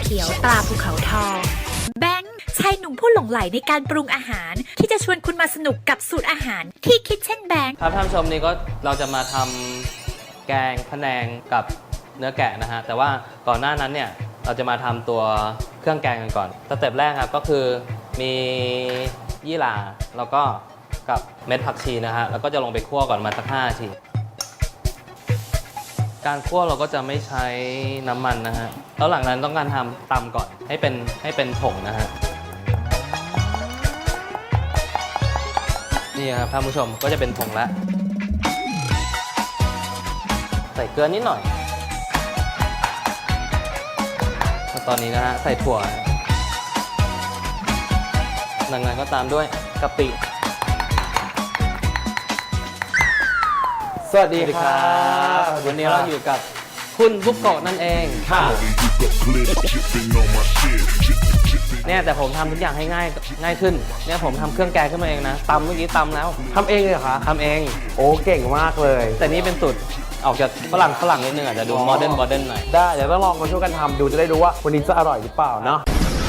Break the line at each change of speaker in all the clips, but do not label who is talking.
ขียวตราภูเขาทองแบงค์ชายหนุ่มผู้หลงใหลในการปรุงอาหารที่จะชวนคุณมาสนุกกับสูตรอาหารที่คิดเช่นแบงค์
ครับท่านผู้ชมนี่ก็เราจะมาทำแกงพะแนงกับเนื้อแกะนะฮะแต่ว่าก่อนหน้านั้นเนี่ยเราจะมาทำตัวเครื่องแกงกันก่อนสเต็ปแรกครับก็คือมียี่หร่าแล้วก็กับเม็ดผักชีนะฮะแล้วก็จะลงไปคั่วก่อนมาสัก5 นาทีการคั่วเราก็จะไม่ใช้น้ำมันนะฮะแล้วหลังนั้นต้องการทำตำก่อนให้เป็นผงนะฮะนี่ครับท่านผู้ชมก็จะเป็นผงแล้วใส่เกลือนิดหน่อยตอนนี้นะฮะใส่ถั่วหลังนั้นก็ตามด้วยกะปิ
สวัสดีครับ
วันนี้เราอยู่กับคุณบุกโกะนั่นเอง
ค่ะ
เนี่ยแต่ผมทำทุกอย่างให้ง่ายขึ้นเนี่ยผมทำเครื่องแกงขึ้นมาเองนะตำเมื่อกี้ตำแล้ว
ทำเองเลยเหรอคะ
ทำเอง
โอ้เก่งมากเลย
แต่นี่เป็นสูตรออกจากฝรั่งนิดนึงอาจจะดูโมเดิร์นหน่อย
ได้เดี๋ยวต้องลองมาช่วยกันทำดูจะได้รู้ว่าวันนี้จะอร่อยหรือเปล่าเนาะ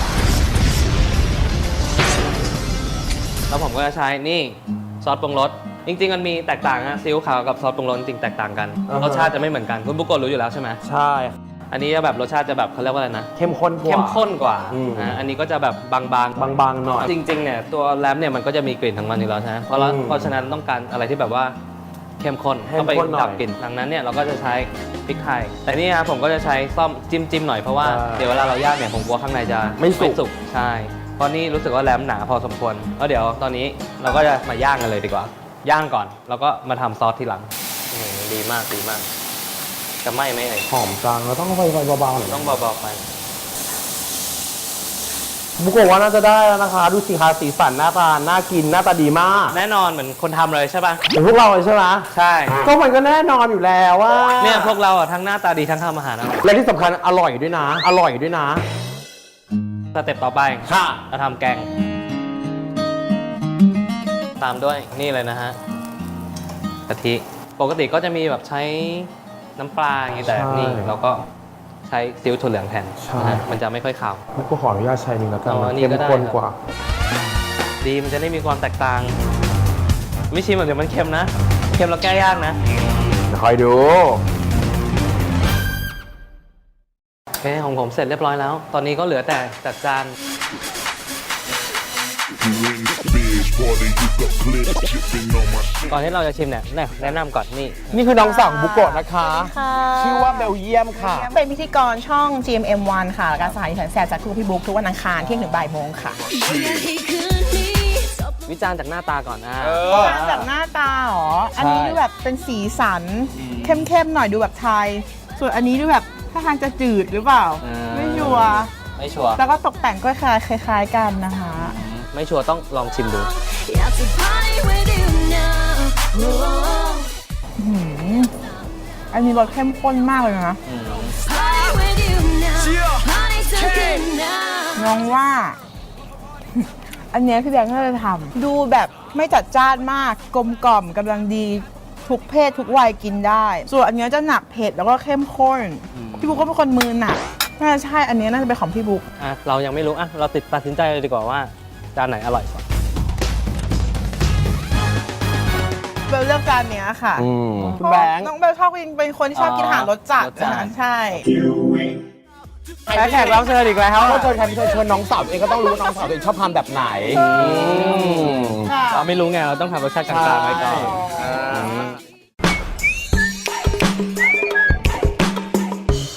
แล้วผมก็จะใช้นี่ซอสปรุงรสจริงๆมันมีแตกต่างนะซีอิ๊วขาวกับซอสปรุงรสจริงแตกต่างกันรสชาติจะไม่เหมือนกันคุณบุกโกะรู้อยู่แล้วใช่ไหม
ใช่
อันนี้แบบรสชาติจะแบบเขาเรียกว่าอะไรนะ
เข้มข้นกว่า
นะอันนี้ก็จะแบบบาง
หน่อย
จริงๆเนี่ยตัวแรมเนี่ยมันก็จะมีกลิ่นของมันอยู่แล้วใช่ไหมเพราะฉะนั้นต้องการอะไรที่แบบว่าเข้มข้นต้องไปดับกลิ่นดังนั้นเนี่ยเราก็จะใช้พริกไทยแต่นี่ครับผมก็จะใช้ซ่อมจิ้มหน่อยเพราะว่าเดี๋ยวเวลาเราย่างเนี่ยผมกลัวข้างในจะ
ไม่สุก
ใช่เพราะนี่รู้สึกว่าแรมหนาพอสมควรแล้วเดี๋ยวตอนนี้เราก็จะมาย่างกันเลยดีกว่าย่างก่อนแล้วก็มาทำซอสทีหลังดีมากจะไหม้ไหม
หอมจังเราต้องไฟเบาๆหน่อย
ต้องเบาๆไป
บุกโกะว่าน่าจะได้แล้วนะคะดูสิคะสีสันหน้าตาน่ากินหน้าตาดีมาก
แน่นอนเหมือนคนทำเลยใช่ป่ะ
เหมือนพวกเราเลยใช่ไหม
ใช่
ก็มันก็แน่นอนอยู่แล้วว่า
เนี่ยพวกเราอ่ะทั้งหน้าตาดีทั้งทำอาหารนะ
และที่สำคัญอร่อยด้วยนะ
สเต็ปต่อไป
ค่ะ
เราทำแกงตามด้วยนี่เลยนะฮะกะทิปกติก็จะมีแบบใช้น้ำปลาอย่างนี้แต่นี่เราก็ใช้ซีอิ๊วถั่วเหลืองแทนมันจะไม่ค่อยขาว
ก็ขออนุญาตใช้นึงแล้วกันมันเข้มข้นกว่า
ดีมันจะได้มีความแตกต่างไม่ชิมเดี๋ยวมันเค็มนะเค็มแล้วแก้ยากนะ
คอยดู
โอเคของผมเสร็จเรียบร้อยแล้วตอนนี้ก็เหลือแต่จัดจานก่อนที่เราจะชิมเนี่ยแนะนำก่อน
นี่คือน้องสาวบุกโกะนะคะชื่อว่าเบลเยียมค่ะ
เป็นพิธีกรช่อง GMM1 ค่ะและการสถานีแสนแสบจากคุณพี่บุ๊กทุกวันอังคารเที่ยงถึงบ่ายโมงค่ะ
วิจารณ์จากหน้าตาก่อน
จากหน้าตาหรออันนี้ดูแบบเป็นสีสันเข้มๆหน่อยดูแบบไทยส่วนอันนี้ดูแบบท่าทางจะจืดหรือเปล่าไม่ชัวร์แล้วก็ตกแต่งก็คล้ายๆกันนะคะ
ไม่ชัวร์ต้องลองชิมดู
อันนี้รสเข้มข้นมากเลยนะน้องว่าอันนี้พี่แบงค์น่าจะทำดูแบบไม่จัดจ้านมากกลมกล่อมกำลังดีทุกเพศทุกวัยกินได้ส่วนอันนี้จะหนักเผ็ดแล้วก็เข้มข้นพี่บุ๊กก็เป็นคนมือหนักน่าจะใช่อันนี้น่าจะเป็นของพี่บุ๊ก
เรายังไม่รู้เราตัดสินใจเลยดีกว่าว่าจานไหนอร่อยกว่า
เบลเลือกจานนี้ค่ะ
คุณแบงค์
น้องเบลชอบกินเป็นคนที่ชอบกินอาหารรสจัดนะใช่
แขกรับเชิญอีกแล้วก็เชิญใครไม่เชิญน้องสาวเองก็ต้องรู้น้องสาวเองชอบทานแบบไหน
เราไม่รู้ไงเราต้องทำรสชาติกลางๆไว้ก่อน